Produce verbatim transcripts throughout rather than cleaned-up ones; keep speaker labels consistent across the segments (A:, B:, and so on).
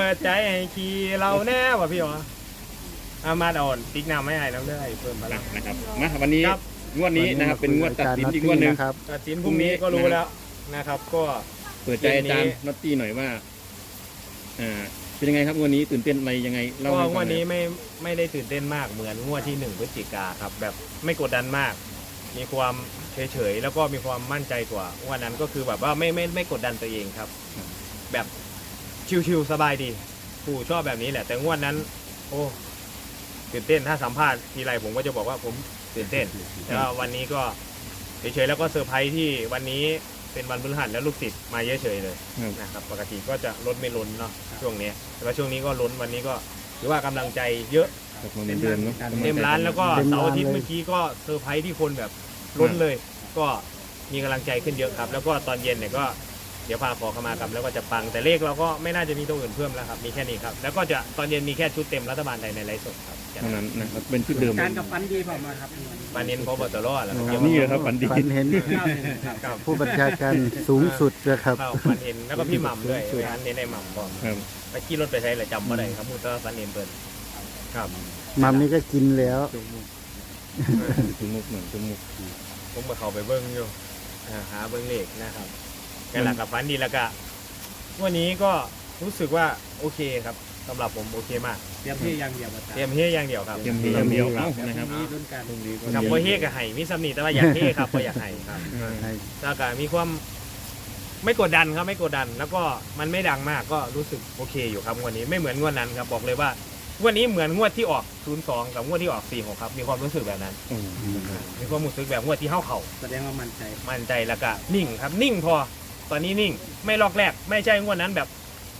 A: ปิดใจให้ขี่เราแน่ว่ะพี่หรออามาดอ่อนติ๊กน้ำไม่ให้น้ำได้เพิ่มมาแล้ว
B: นะครับมาวันนี้งวดนี้นะครับเป็นงวดตัดสินอีกงวดหนึ่ง
C: ครับ
A: ตัดสินพรุ่งนี้ก็รู้แล้วนะครับก็
B: เปิดใจอาจารย์น็อตตี้หน่อยว่าอ่าเป็นยังไงครับงวดนี้ตื่นเต้นอะไรยังไงเล่าให้ฟัง
A: งวดนี้ไม่ไม่ได้ตื่นเต้นมากเหมือนงวดที่หนึ่งพฤศจิกาครับแบบไม่กดดันมาก มีความเฉยๆแล้วก็มีความมั่นใจกว่าวันนั้นก็คือแบบว่าไม่ไม่ไม่กดดันตัวเองครับแบบชิวๆสบายดีผู้ชอบแบบนี้แหละแต่งวดนั้นโอ้ตื่นเต้นถ้าสัมภาษณ์ทีไรผมก็จะบอกว่าผมตื่นเต้นแต่ว่าวันนี้ก็เฉยๆแล้วก็เซอร์ไพรส์ที่วันนี้เป็นวันพฤหัสแล้วลูกศิษย์มาเยอะเฉยเลยนะครับปกติก็จะล้นไม่ล้นเนาะช่วงนี้แต่ว่าช่วงนี้ก็ล้นวันนี้ก็ถือว่ากำลังใจเยอะ
B: เต็มเดือนเนาะ
A: เต็มร้านแล้วก็เสาร์อาทิตย์เมื่อกี้ก็เซอร์ไพรส์ที่คนแบบล้นเลยก็มีกำลังใจขึ้นเยอะครับแล้วก็ตอนเย็นเนี่ยก็เดี๋ยวพาขอเข้ามากับแล้วก็จะปังแต่เลขเราก็ไม่น่าจะมีตัวอื่นเพิ่มแล้วครับมีแค่นี้ครับแล้วก็จะตอนเย็นมีแค่ชุดเต็มรัฐบาลไทยในไลฟ์สดครับ
B: เท่านั้นนะครับเป็นชุดเดิม
D: การกับฟันดีพอมาครับ
A: ปันเน้นพอบตรแล้ว
B: นี่เลยครับฝันดี
C: ฝันเห็นผู้บัญชาการสูงสุดนะครับ
A: ปันเน้นแล้วก็พี่หม่ำด้วยปันเน้นไอ้หม่ำก่อนไปขี่รถไปใช้เลยจำไม่ได้ครับมูตรปันเน้นเปิดครับ
C: หม่ำนี่ก็กินแล้ว
B: จมูกเหมือนจมูก
A: ผมมาเข้าไปเบิ้งอยู่หาเบิ้งเลขนะครับแค่หลักกับฟันดีแล้วก็วันนี้ก็รู้สึกว่าโอเคครับสำหรับผมโอเคมาก
D: เตรียมเฮียอย่างเดียว
A: เตรียมเฮียอย่างเดียวครับ
B: เตรียมเฮียอย่างเดียวนะครับ
D: มีรุ่นการ
A: กับโมเฮกับไห่มีสำนีแต่ว่าอยากเฮครับก็อยากไห่ครับแล้วก็มีความไม่กดดันครับไม่กดดันแล้วก็มันไม่ดังมากก็รู้สึกโอเคอยู่ครับวันนี้ไม่เหมือนงวดนั้นครับบอกเลยว่าวันนี้เหมือนงวดที่ออกศูนย์สองกับงวดที่ออกสี่หกครับมีความรู้สึกแบบนั้นมีความรู้สึกแบบงวดที่เข้าเข่า
D: แสดงว่ามั่นใจ
A: มั่นใจแล้วก็นิ่งครับนิ่งพอตอนนี้นิ่งไม่ลอกแรกไม่ใช่งวดนั้นแบบ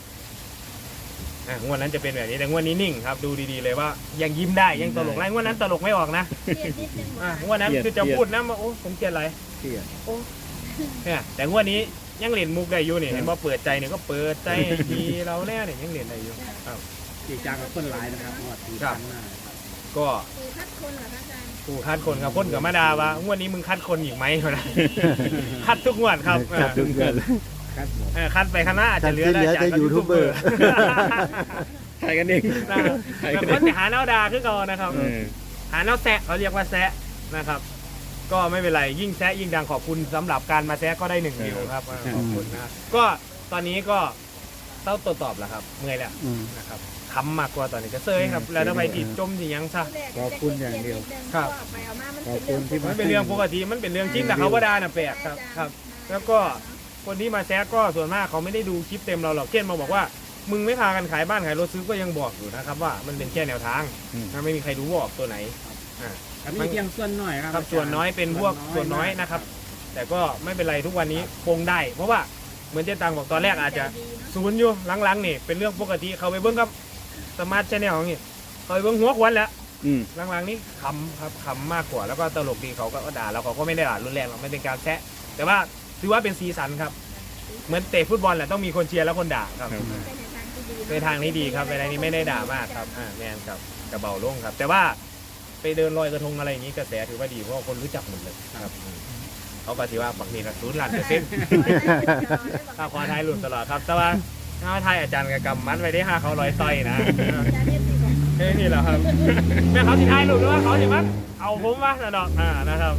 A: งวดนั้นจะเป็นแบบนี้แต่งวดนี้นิ่งครับดูดีๆเลยว่ายังยิ้มได้ยังตลกไรงวดนั้นตลกไม่ออกนะงวดนั้นคือจะพูดนะว่าโอ้ผมเกลียดอะไรโอ้เนี่ยแต่งวดนี้ยังเล่นมุกได้อยู่นี่เห็นว่าเปิดใจเนี่ยก็เปิดใจดีเราแน่เนี่ยยังเล่นได้อยู่ครับ
D: จีจางกับคนหลายนะครับงวดที่ผ่านมา
A: ก็คัดคนเหรอคะอาจารย์กูคัดคนครับคนกับมาดาว่างวดนี้มึงคัดคนอีกไหมนะคัดทุกงวดครับ
C: คัดทุกงวด
A: คัดไปข้างหน้าจะเหลือ
C: จะยูทูบเบอร์
B: ใครกันเอง
A: แต่คนจะหาแนวดาขึ้นก่อนนะครับหาแนวแซะเขาเรียกว่าแซะนะครับก็ไม่เป็นไรยิ่งแซะยิ่งดังขอบคุณสำหรับการมาแซะก็ได้หนึ่งวิวครับขอบคุณนะก็ตอนนี้ก็เต้าตัวตอบแล้วครับเมื่อยแล้วนะครับคำมากกว่าตอนนี้ก็เซยครับแล้วทำไมติดจมสิยังซะ
C: ขอบคุณอย่างเดียว
A: ครับ
C: ขอบคุณที่
A: มันเป็นเรื่องปกติมันเป็นเรื่องจริงแต่เขาว่าด่าน่ะแปลกครับครับแล้วก็คนที่มาแซะก็ส่วนมากเขาไม่ได้ดูคลิปเต็มเราหรอกเช่นมาบอกว่ามึงไม่พากันขายบ้านขายรถซื้อก็ยังบอกอยู่นะครับว่ามันเป็นแค่แนวทางนะไม่มีใครรู้ว่าออกตัวไหน
D: อ่ามันเพียงส่วนน้อย
A: ครับส่วนน้อยเป็นพวกส่วนน้อยนะครับแต่ก็ไม่เป็นไรทุกวันนี้คงได้เพราะว่าเหมือนเจ๊ตังบอกตอนแรกอาจจะศูนย์อยู่หลังๆนี่เป็นเรื่องปกติเขาไปเบิ้งกับสมาร์ทแชนแนลอย่างนี้เขาไปเบิ้งหัวควันแล้วหลังๆนี้ขำครับขำมากกว่าแล้วก็ตลกดีเขาก็ด่าแล้วเขาก็ไม่ได้ด่ารุนแรงหรอกไม่เป็นการแซะแต่ว่าถือว่าเป็นสีสันครับเหมือนเตะฟุตบอลแหละต้องมีคนเชียร์แล้วคนด่าครับในทางนี้ดีครับในทางนี้ไม่ได้ด่ามากครับอ่าแมนครับกระเบาลงครับแต่ว่าไปเดินลอยกระทงอะไรอย่างนี้กระแสถือว่าดีเพราะคนรู้จักหมดเลยครับเขาก็ถือว่าปักนี่นะศูนย์ล้านเปอร์เซ็นต์ถ้าควาไทยหลุดตลอดครับแต่ว่าถ้าไทยอาจารย์กับกำมัดไว้ได้ห้าเขาลอยต่อยนะแค่นี้แหละครับแม่เขาสิไทยหลุดหรือว่าเขาสิมันเอาผมวะนะดอกอ่านะครับ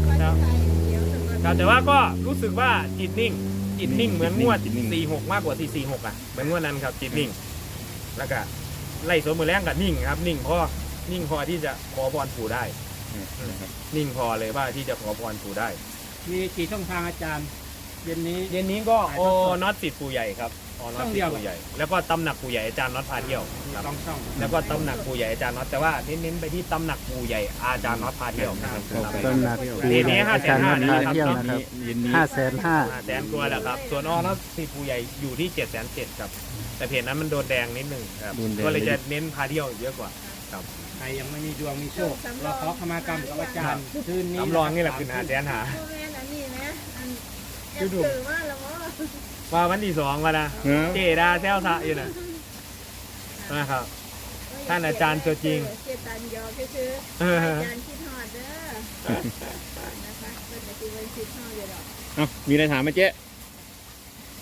A: แต่ว่าก็รู้สึกว่าจิตนิ่งจิตนิ่งเหมือนงวดสี่หกมากกว่าที่สี่หกอ่ะเหมือนงวดนั้นครับจิตนิ่งแล้วก็ไล่สวนมือแรงกับนิ่งครับนิ่งพอนิ่งพอที่จะขอพรปู่ได้นิ่งพอเลยว่าที่จะขอพรปู่ได้
D: มีกี่ช่องทางอาจารย์เย็นนี้
A: เย็นนี้ก็โอน็อตติดปู่ใหญ่ครับอ๋อน็อตติดปู่ใหญ่แล้วก็ตำหนักปู่ใหญ่อาจารย์น็อตพาเที่ยว
D: ต้องช่อง
A: แล้วก็ตำหนักปู่ใหญ่อาจารย์น็อตแต่ว่าเน้นๆไปที่ตำหนักปู่ใหญ่อาจารย์น็อตพาเที่ยวนะครับ
C: ตำหนัก
A: เย็นนี้ห้าแสนห้านะครับ
C: ห้าแสนห้า
A: ห้าแสนกว่าแล้วครับส่วนอน็อตติดปู่ใหญ่อยู่ที่เจ็ดแสนเจ็ดครับแต่เพจนั้นมันโดนแดงนิดนึงครับก็เลยจะเน้นพาเที่ยวเยอะกว่าครับ
D: ใครยังไม่มีดวงมีโชคเราขอขมากรรมกับอาจารย์คืนนี้
A: น้ำรองนี่แหละคือหาแสนหาดูดูว่าวันที่สองกันนะเจดาเซลซะอยู่นะนะครับท่านอาจารย์ตัวจริง
E: เจตันยอคืออาจารย์คิดฮอดเด้อนะคะเป็นปฏิบัติคิดฮอดอยู่ดอก
B: เอ้ามีอะไรถามไหมเจ๊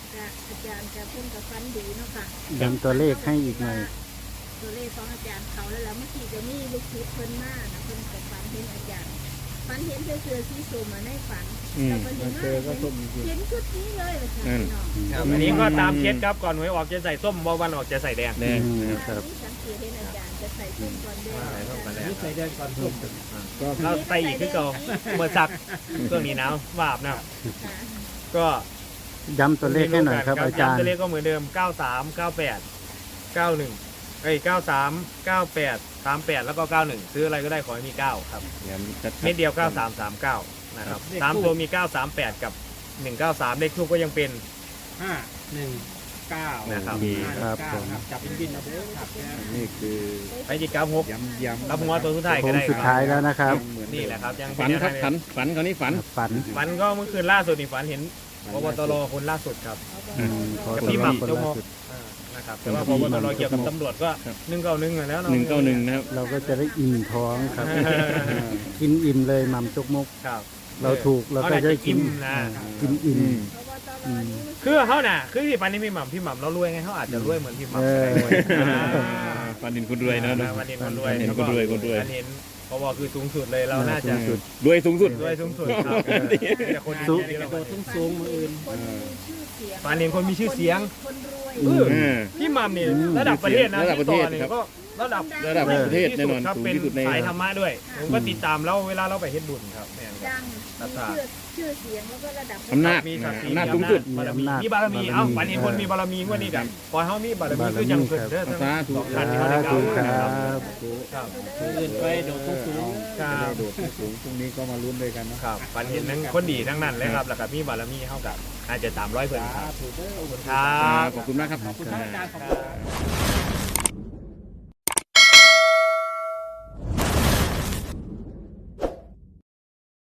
E: จะอาจารย์จะเพิ่งกับฟันดีเนาะค่ะ
C: ย้ำตัวเลขให้อีกหน่อย
E: ตัวเลขของอาจารย์เขาแล้วแล้วเมื่อกี้จะมีลูกศิษย์เพิ่นมานะเพิ่นกับฟันเห็นอาจารย์ฟันเห็นเสื้อสีส้มมาในฝัน
B: อืม
E: แล้วก็เห็นว่าเห็นชุดนี้เลยเลยค่ะพี่น้อง
A: ครับอันนี้ก็ตามเคสครับก่อนหวยออกจะใส่ส้มบอวันออกจะใส่แดง
B: แดง
C: อืม
B: นะครับ
C: ครับ
E: สังเกตเห็นอาจารย์จะใส่ส้มก่อนแดง
A: ใส่ส้มก่อนแดง
D: นี่ใส่แดงก่อนส้ม
A: เราใส่อีกคือเก่าเมื่อซักเครื่องนี้หนาววาบนะ
E: ค่ะ
A: ก็
C: ย้ำตัวเลขให้หน่อยครับอาจารย์
A: ตัวเลขก็เหมือนเดิมเก้าสามเก้าแปดเก้าหนึ่งเอ้ยเก้าสามเก้าแปดสามแปดแล้วก็เก้าหนึ่งซื้ออะไรก็ได้ขอให้มีเก้าครับ
B: ย้ำชัดๆ
A: เม็ดเดียวเก้าสามสามเก้านะครับสามตัวมีเก้าสามแปดกับหนึ่งเก้าสามเลขทูปก็ยังเป็น
D: ห้าหนึ่งเก้า
A: นะครับ
D: ห้าหนึ่งเก้าครับจับเป็นบินนะเด้อครับนะ
F: นี่คือ
A: ไปจิกาหก
F: ย้ำย้ำ
A: รับหัวตัวสุดท้าย
C: โค้
A: ก็
C: ง
A: ได้
C: สุด
A: ค
C: ท้า
A: รับ
C: ยแล้วนะครับ
A: นี่แหละครับยังเป็
B: ฝันครับ
A: ยังไง
B: ฝันฝันเขาวนี่ฝัน
C: ฝัน
A: ฝันก็เมื่อคืนล่าสุดนี่ฝันเห็นพบตรคนล่าสุดครับ
C: อืมขอ
A: กับ
C: ตัว
A: พี่ห
C: เลข
A: ม่ำ
C: คน
A: เจ้า
C: ล่า
A: โม
C: สุด
A: อ่านะครับแต่ว่าพบตรเกี่ยวกับตำรวจก็
B: ครับ
A: หนึ่งเก้าหนึ่งแล้วเนาะ
B: หนึ่งเก้าหนึ่งนะครับ
C: เราก็จะได้อิ่มท้องครับ กินอิ่มเลยหม่ำจกมก
A: ครับ
C: เราถูกเราก็จะได้กิน
A: นะ
C: อ่ากินอิ่ม
E: เพราะว่าตอนนี้
A: คือเขาน่ะคือที่ปันนี้พี่หม่ำพี่หม่ำเรารวยไงเขาอาจจะรวยเหมือนพี่หม่ำ
C: เออ
A: ก็ได้
B: ฝันเห็นคนรวยนะ
A: อ่าวันนี้คนรวย
B: เห็นคนรวยคนรวย
A: อันเห็นเพราะว่าคือสูงสุดเลยเราน่าจะ
C: สูงสุด
B: รวยสูงสุด
A: รวยสูงสุดครับแต่คน
C: สูง
A: ดีๆเรา
D: โดดทุ่งสูงมืออื่น
E: คนมีชื่อเสียง
A: ฝันเห็นคนมีชื่อเสียง
E: คนรวย
A: เออ
B: อ่า
A: พี่หม่ำนี่
C: อืม
A: ระดับประเทศนะ
B: ระดับประเทศ
A: ที่ต่อนี่
B: ครับ
A: ก็ระดับ
B: ระดับประเทศแน่นอน
A: ครับ
B: สูง
A: เป็น
B: ที่สุดใน
A: สายธรรมะด้วยผมก็ติดตามแล้วเวลาเราไปเฮ็ดบุญครับเนี่ยครับ
E: ดังมีชื่อชื่อเสียงแล้วก็ระดับ
B: อำนาจ
A: มีศักดิ์ศรี
B: อำนาจสูงสุด
A: บารมี
C: มีอำนาจ
A: มีบารมี
C: บารมี
A: เอ้าฝันเห็นคนมีบารมีงว่านี่กันปล่อยเฮามีบารมีคือจังเพิ่นเด้อทั้ง
B: สาธุ
A: สองท่านที่
C: สา
A: เขาได้กล่า
C: ธุ
A: ว
C: ค
A: นะ
C: รั
A: ครับ
C: บ
A: ครับ
D: มืออื่นไปโดดทุ่งสูง
A: ครั
F: จะได้
A: บ
F: โดดที่สูงพรุ่งนี้ก็มาลุ้นด้วยกันเนาะ
A: ครับฝันเห็นทั้งคนดีทั้งนั้นเลยครับแล้วก็มีบารมีเฮากับอาจจะสามร้อยเพิ่นครับ
D: ถูกเด้อ
A: ครั
B: ครับ บขอบคุณมากครับ
D: ขอบคุณครับอาจารย์ขอบคุณครับ